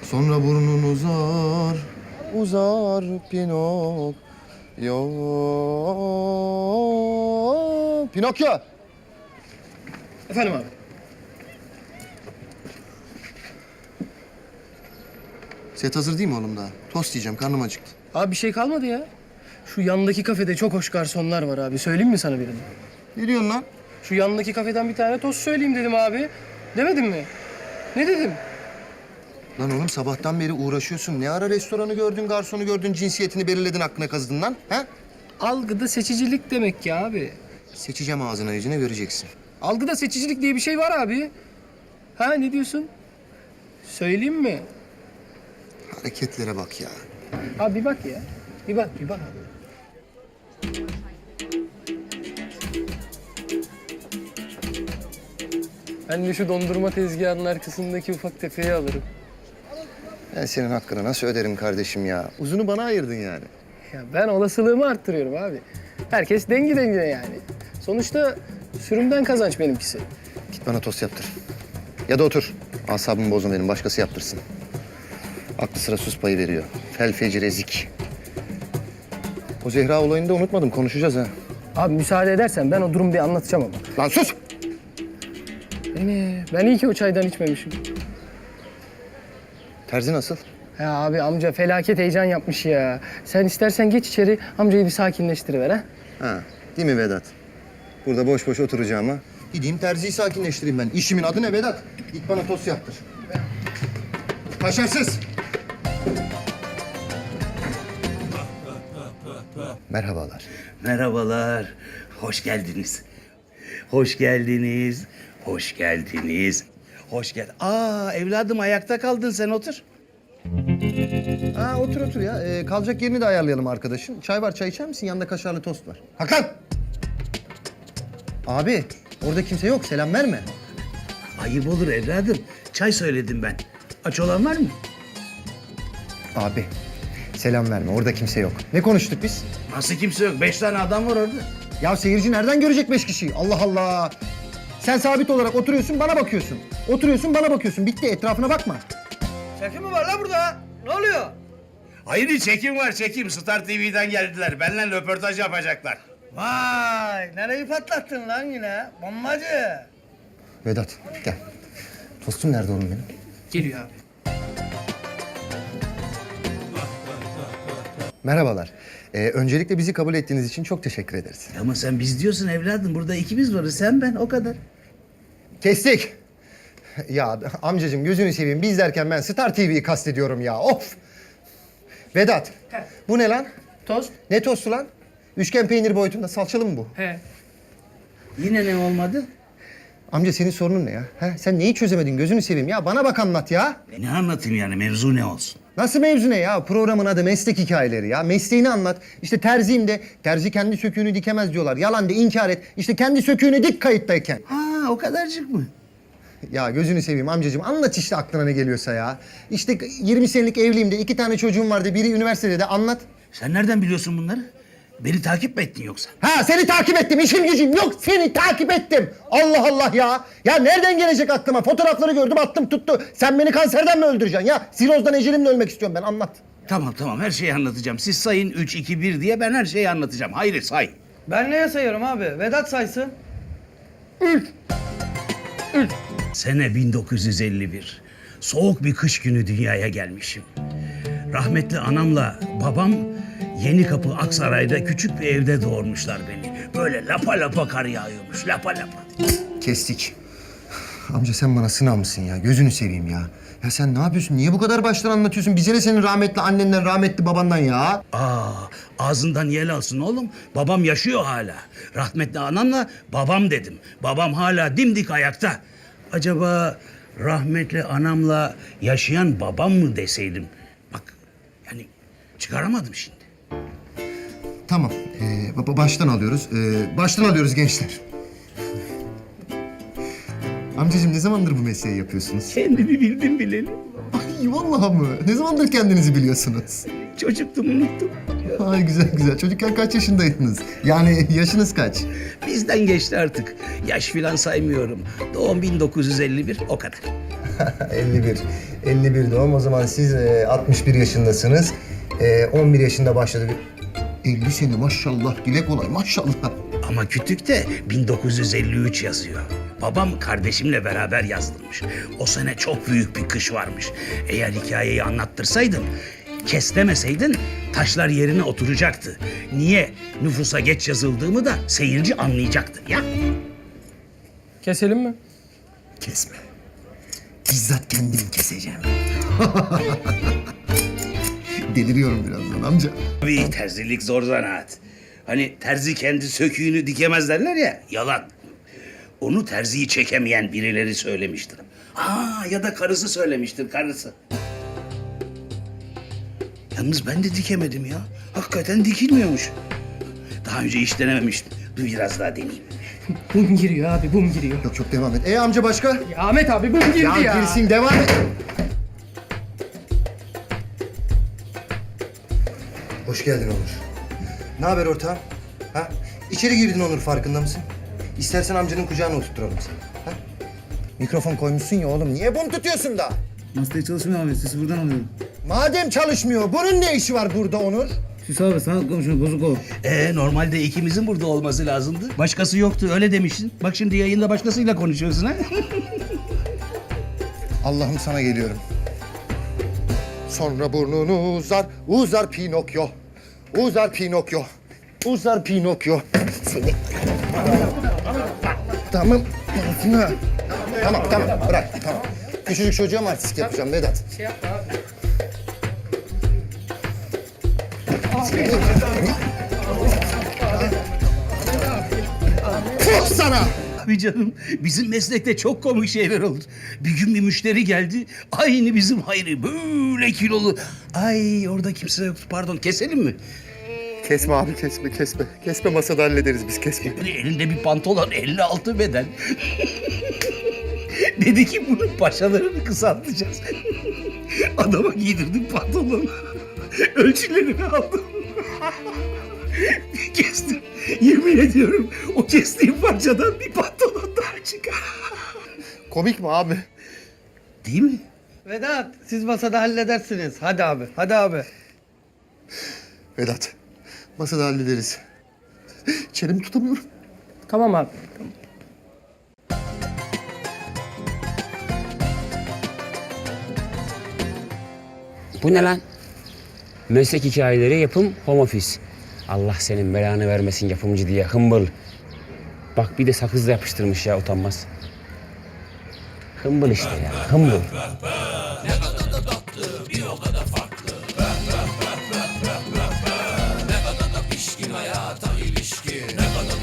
Sonra burnun uzar, uzar Pinokyo. Pinokyo! Efendim abi. Set hazır değil mi oğlum daha? Tost yiyeceğim, karnım acıktı. Abi bir şey kalmadı ya. Şu yandaki kafede çok hoş garsonlar var abi. Söyleyeyim mi sana birini? Ne diyorsun lan? Şu yandaki kafeden bir tane tost söyleyeyim dedim abi. Demedim mi? Ne dedim? Lan oğlum sabahtan beri uğraşıyorsun. Ne ara restoranı gördün, garsonu gördün, cinsiyetini belirledin, aklına kazıdın lan? Ha? Algıda seçicilik demek ki abi. Seçeceğim ağzına yüzüne göreceksin. Algıda seçicilik diye bir şey var abi. Ha ne diyorsun? Söyleyeyim mi? Hareketlere bak ya. Abi bir bak ya. Bir bak abi. Ben de şu dondurma tezgahının arkasındaki ufak tefeyi alırım. Ben senin hakkını nasıl öderim kardeşim ya? Uzunu bana ayırdın yani. Ya ben olasılığımı arttırıyorum abi. Herkes dengi dengine yani. Sonuçta sürümden kazanç benimkisi. Git bana tost yaptır. Ya da otur. Asabımı bozma benim, başkası yaptırsın. Aklı sıra sus payı veriyor. Fel fecir ezik. O Zehra olayını da unutmadım, konuşacağız ha. Abi müsaade edersen ben o durumu bir anlatacağım ama. Lan sus! Ben iyi ki o çaydan içmemişim. Terzi nasıl? Ya abi amca felaket heyecan yapmış ya. Sen istersen geç içeri amcayı bir sakinleştiriver ha. Ha, değil mi Vedat? Burada boş boş oturacağıma gideyim terziyi sakinleştireyim ben. İşimin adı ne Vedat? Git bana tost yaptır. Kaşarsız! Merhabalar. Merhabalar, hoş geldiniz. Hoş geldiniz, hoş geldiniz. Hoş gel. Evladım ayakta kaldın, sen otur. Ha otur otur ya. Kalacak yerini de ayarlayalım arkadaşın. Çay var, çay içer misin? Yanında kaşarlı tost var. Hakan! Abi, orada kimse yok. Selam verme. Ayıp olur evladım. Çay söyledim ben. Aç olan var mı? Abi, selam verme. Orada kimse yok. Ne konuştuk biz? Nasıl kimse yok? 5 tane adam var orada. Ya seyirci nereden görecek 5 kişiyi? Allah Allah! Sen sabit olarak oturuyorsun, bana bakıyorsun. Oturuyorsun, bana bakıyorsun. Bitti, etrafına bakma. Çekim mi var la burada? Ne oluyor? Hayır, çekim var, çekim. Star TV'den geldiler. Benimle röportaj yapacaklar. Vay, nereyi patlattın lan yine? Bombacı. Vedat, gel. Tostum nerede oğlum benim? Geliyor abi. Merhabalar. Öncelikle bizi kabul ettiğiniz için çok teşekkür ederiz. Ama sen biz diyorsun evladım. Burada ikimiz varız. Sen ben, o kadar. Kestik. Ya amcacığım gözünü seveyim. Biz derken ben Star TV'yi kastediyorum ya. Of! Vedat, bu ne lan? Tost? Ne tostu lan? Üçgen peynir boyutunda salçalı mı bu? He. Yine ne olmadı? Amca senin sorunun ne ya? He? Sen neyi çözemedin gözünü seveyim ya? Bana bak anlat ya. Ne anlatayım yani? Mevzu ne olsun? Nasıl mevzu ne ya? Programın adı meslek hikayeleri ya. Mesleğini anlat. İşte terziyim de terzi kendi söküğünü dikemez diyorlar. Yalan de inkar et. İşte kendi söküğünü dik kayıttayken. O kadarcık mı? Ya gözünü seveyim amcacığım anlat işte aklına ne geliyorsa ya. İşte 20 senelik evliyim de 2 tane çocuğum vardı. Biri üniversitede de anlat. Sen nereden biliyorsun bunları? Beni takip mi ettin yoksa? Ha seni takip ettim işim gücüm yok seni takip ettim. Allah Allah ya. Ya nereden gelecek aklıma? Fotoğrafları gördüm attım tuttu. Sen beni kanserden mi öldüreceksin ya? Sirozdan ecelimle ölmek istiyorum ben anlat. Tamam her şeyi anlatacağım. Siz sayın 3, 2, 1 diye ben her şeyi anlatacağım. Hayır say. Ben neye sayıyorum abi? Vedat saysın. Sene 1951. Soğuk bir kış günü dünyaya gelmişim. Rahmetli anamla babam Yenikapı Aksaray'da küçük bir evde doğurmuşlar beni. Böyle lapa lapa kar yağıyormuş, lapa lapa. Kestik. Amca sen bana sınav mısın ya? Gözünü seveyim ya. Ya sen ne yapıyorsun? Niye bu kadar baştan anlatıyorsun? Bize ne senin rahmetli annenden, rahmetli babandan ya? Ağzından yel alsın oğlum. Babam yaşıyor hala. Rahmetli anamla babam dedim. Babam hala dimdik ayakta. Acaba rahmetli anamla yaşayan babam mı deseydim? Bak yani çıkaramadım şimdi. Tamam. Baştan alıyoruz. Baştan alıyoruz gençler. Amcacığım ne zamandır bu mesleği yapıyorsunuz? Kendimi bildim bileli. Ay vallahi mı? Ne zamandır kendinizi biliyorsunuz? Çocuktum unuttum. Ay güzel güzel. Çocukken kaç yaşındaydınız? Yani yaşınız kaç? Bizden geçti artık. Yaş filan saymıyorum. Doğum 1951 o kadar. 51. 51 doğum. O zaman siz 61 yaşındasınız. 11 yaşında başladı. 50 sene maşallah. Dile kolay maşallah. Ama kütükte 1953 yazıyor. Babam kardeşimle beraber yazdırmış. O sene çok büyük bir kış varmış. Eğer hikayeyi anlattırsaydın, kes demeseydin taşlar yerine oturacaktı. Niye nüfusa geç yazıldığımı da seyirci anlayacaktı ya. Keselim mi? Kesme. Bizzat kendim keseceğim. Deliriyorum birazdan amca. Tabii terzilik zor zanaat. Hani terzi kendi söküğünü dikemez derler ya, yalan. Onu terziyi çekemeyen birileri söylemiştir. Ya da karısı söylemiştir, karısı. Yalnız ben de dikemedim ya. Hakikaten dikilmiyormuş. Daha önce hiç denememiştim. Dur biraz daha deneyeyim. Bum giriyor abi, bum giriyor. Yok çok devam et. Amca başka? Ya Ahmet abi bum girdi ya. Girsin devam et. Hoş geldin Onur. Ne haber ortağım? Ha? İçeri girdin Onur, farkında mısın? İstersen amcanın kucağına oturturalım seni. Ha? Mikrofon koymuşsun ya oğlum. Niye bum tutuyorsun da? Masaya çalışmıyor abi. Sesi buradan alıyorum. Madem çalışmıyor, bunun ne işi var burada Onur? Süs abi sağ komşuna bozuk o. Normalde ikimizin burada olması lazımdı. Başkası yoktu, öyle demiştin. Bak şimdi yayında başkasıyla konuşuyorsun ha. Allah'ım sana geliyorum. Sonra burnunu uzar, uzar Pinokyo. Uzar Pinokyo. Uzar Pinokyo. Seni... Tamam. Tamam. Bırak. Tamam. Küçücük çocuğa mı artistik yapacağım Vedat? Şey yapma abi. Fuh sana! Abi canım, bizim meslekte çok komik şeyler olur. Bir gün bir müşteri geldi, aynı bizim Hayri, böyle kilolu. Ay orada kimse yok, pardon, keselim mi? Kesme abi kesme. Kesme, masada hallederiz biz, kesme. Böyle elinde bir pantolon, 56 beden. Dedi ki bunun paçalarını kısaltacağız. Adama giydirdim pantolonu. Ölçülerini aldım. Bir kestim. Yemin ediyorum o kestiğim parçadan bir pantolon daha çıkar. Komik mi abi? Değil mi? Vedat, siz masada halledersiniz. Hadi abi. Vedat, masada hallederiz. Çenemi tutamıyorum. Tamam abi. Bu ne lan? Meslek hikayeleri yapım home office. Allah senin belanı vermesin yapımcı diye hımbıl. Bak bir de sakızla yapıştırmış ya, utanmaz. Hımbıl işte ya, hımbıl. Ne kadar da pişkin hayata ilişkin.